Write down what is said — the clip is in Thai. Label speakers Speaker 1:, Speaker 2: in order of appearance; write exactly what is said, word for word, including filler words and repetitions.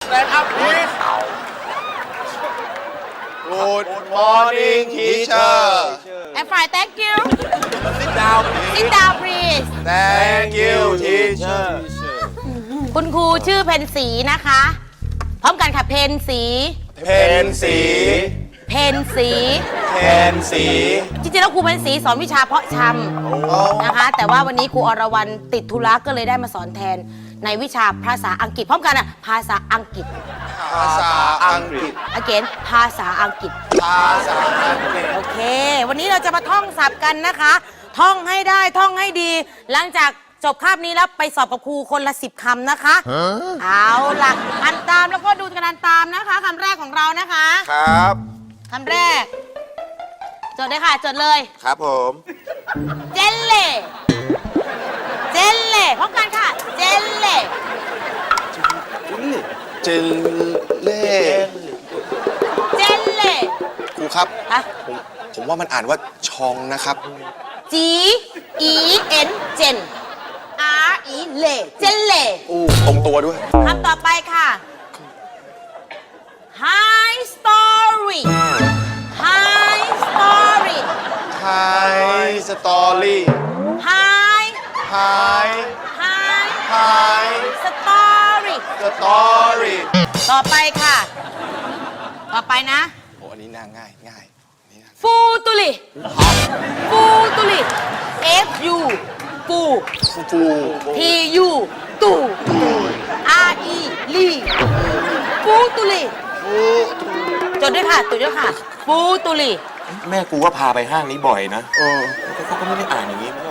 Speaker 1: stand up please Good morning teacher
Speaker 2: I'm fine thank you
Speaker 1: Sit down please
Speaker 2: sit down please
Speaker 1: Thank you teacher
Speaker 2: คุณครูชื่อเพนสีนะคะพร้อมกันค่ะเพนสี
Speaker 1: เพนสี
Speaker 2: เพนสี
Speaker 1: เพนสี
Speaker 2: จริงๆแล้วครูเพนสีสอนวิชาเพาะชำนะคะแต่ว่าวันนี้ครูอรวรรณติดธุระก็เลยได้มาสอนแทนในวิชาภาษาอังกฤษพร้อมกันอ่ะภาษาอังกฤษ
Speaker 1: ภาษาอังกฤษ
Speaker 2: again ภาษาอังกฤษ
Speaker 1: ภาษาอังกฤษ
Speaker 2: โอเค วันนี้เราจะมาท่องศัพท์กันนะคะ ท่องให้ได้ท่องให้ดี หลังจากจบคาบนี้แล้วไปสอบกับครูคนละสิบคำนะคะเอาล่ะอ่านตามแล้วก็ดูกันตามนะคะคำแรกของเรานะคะ
Speaker 1: ครับ
Speaker 2: คำแรกจดเลยค่ะจดเลย
Speaker 1: ครับผม
Speaker 2: เจลเล่เจลเล่พร้อมกันค่ะเจลเล่
Speaker 1: เจลเล่
Speaker 2: เจลเล่
Speaker 1: ครูครับ
Speaker 2: ฮะ
Speaker 1: ผมผมว่ามันอ่านว่าชองนะครับ
Speaker 2: G E N เจน R E เล่เจลเล่
Speaker 1: อู้ตรงตัวด้วย
Speaker 2: คำต่อไปค่ะ High story High story
Speaker 1: High story
Speaker 2: High
Speaker 1: High
Speaker 2: High
Speaker 1: High
Speaker 2: story
Speaker 1: story
Speaker 2: ต่อไปค่ะ ต่อไปนะ
Speaker 1: โอ้อันนี้น่าง่ายง่ายอันนี้น่า
Speaker 2: ฟูตุลิฟูตุลิ F U ฟู
Speaker 1: ฟูฟู
Speaker 2: T U ตู R E ลีฟูตุลิ
Speaker 1: ฟู
Speaker 2: จดด้วยค่ะจดด้วยค่ะฟูตุลิ
Speaker 3: แม่กูก็พาไปห้างนี้บ่อยนะ
Speaker 1: เออ
Speaker 3: เขาก็ไม่ได้อ่านอย่างนี้